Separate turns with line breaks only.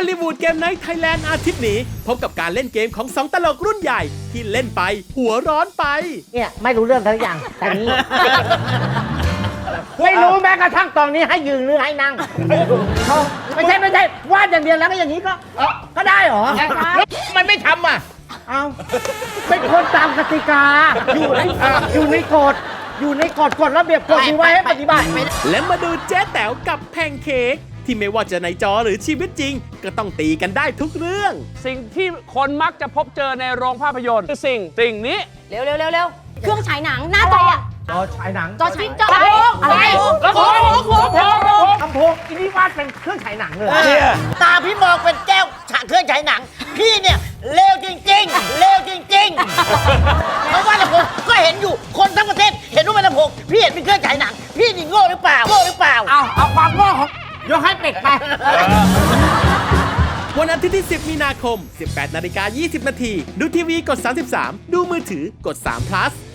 ลลีวูดเกมไนท์ไทยแลนด์อาทิตย์นี้พบกับการเล่นเกมของ2ตลกรุ่นใหญ่ที่เล่นไปหัวร้อนไป
เนี่ยไม่รู้เรื่องทั้งอย่างแต่นี้ ไม่รู้แม้กระทั่งตอนนี้ให้ยืนหรือให้นั่งไม่ใช่วาดอย่างเดียวแล้วก็อย่างนี้ก็ได้เหรอมันไม่ทำอ่ะเอาเป็นคนตามกติกาอยู่ในกฎกฎระเบียบกฎมีไว้ให้ปฏิบัติ
และมาดูเจ๊แต๋วกับแพนเค้กที่ไม่ว่าจะในจอหรือชีวิตจริงก็ต้องตีกันได้ทุกเรื่อง
สิ่งที่คนมักจะพบเจอในโรงภาพยนตร์คือสิ่งนี้
เร็วเครื่องฉายหนังหน้าจอ
จอฉายหนัง
จออะไร
ลำโพง
อีนี่วาดเป็นเครื่องฉายหนังเลย
ตาพี่มองเป็นแก้วเครื่องฉายหนังพี่เนี่ยเลวจริงๆเลวจริงๆเพราะว่าลำโพงก็เห็นอยู่คนทั้งประเทศเห็นว่าเป็นลำโพงพี่เห็นเป็นเครื่องฉายหนังพี่นี่โง่หรือเปล่า
เอาความโง่ของยกให้เป็ดไป
วันอาทิตย์ที่10 มีนาคม 18:20 น.ดูทีวีกด33ดูมือถือกด3 plus